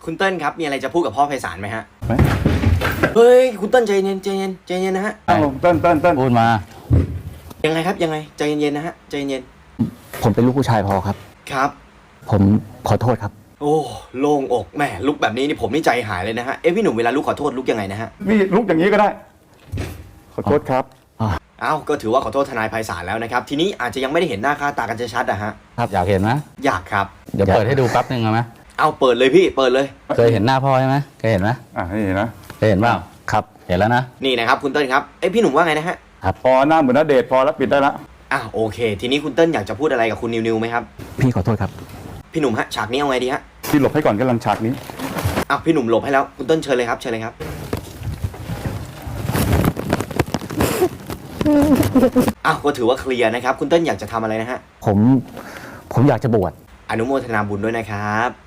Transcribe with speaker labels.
Speaker 1: คุณเติ้ลครับมีอะไรจะพูดกับพ่อไพศาลไหมฮะเฮ้ยคุณเติ้ลใจเย็นใจเย็นใจเย็นนะฮะ
Speaker 2: เติ้ล
Speaker 3: พูดมา
Speaker 1: ยังไงครับยังไงใจเย็นๆนะฮะใจเย็น
Speaker 3: ผมเป็นลูกผู้ชายพอครับ
Speaker 1: ครับ
Speaker 3: ผมขอโทษครับ
Speaker 1: โอ้โล่งอกแหมลุกแบบนี้นี่ผมนี่ใจหายเลยนะฮะพี่หนุ่มเวลาลุกขอโทษลุกยังไงนะฮะ
Speaker 2: นี่ลุกอย่างนี้ก็ได้ขอโทษครับ
Speaker 1: อ้าวก็ถือว่าขอโทษทนายไพศาลแล้วนะครับทีนี้อาจจะยังไม่ได้เห็นหน้าค่าตากันชัดๆอะฮะ
Speaker 3: ครับอยากเห็นไหม
Speaker 1: อยากครับ
Speaker 3: เดี๋ยวเปิดให้ดูแป๊บนึงเอาไหม
Speaker 1: เอาเปิดเลยพี่เปิดเลย
Speaker 3: เคยเห็นหน้าพ่อใช่ไหมเคยเห็นไหม
Speaker 2: นี่นะ
Speaker 3: เคยเห็นเปล่าครับเห็นแล้วนะ
Speaker 1: นี่นะครับคุณเติ้ลครับพี่หนุ่มว่าไงนะฮะ
Speaker 2: พอหน้าเหมือนณเดชน์พอแล้วปิดได้ละ
Speaker 1: โอเค ทีนี้คุณเติ้ลอยากจะพูดอะไรกับคุณนิวไหมครับ
Speaker 3: พี่ขอโทษครับ
Speaker 1: พี่หนุ่มฮะฉากนี้เอาไงดีฮะ
Speaker 2: พี่หลบให้ก่อนกำลังฉากนี้
Speaker 1: พี่หนุ่มหลบให้แล้วคุณเติ้ลเชิญเลยครับเชิญเลยครับก็ถือว่าเคลียร์นะครับคุณเติ้ลอยากจะทำอะไรนะฮะ
Speaker 3: ผมอยากจะบวช
Speaker 1: อนุโมทนาบุญด้วยนะครับ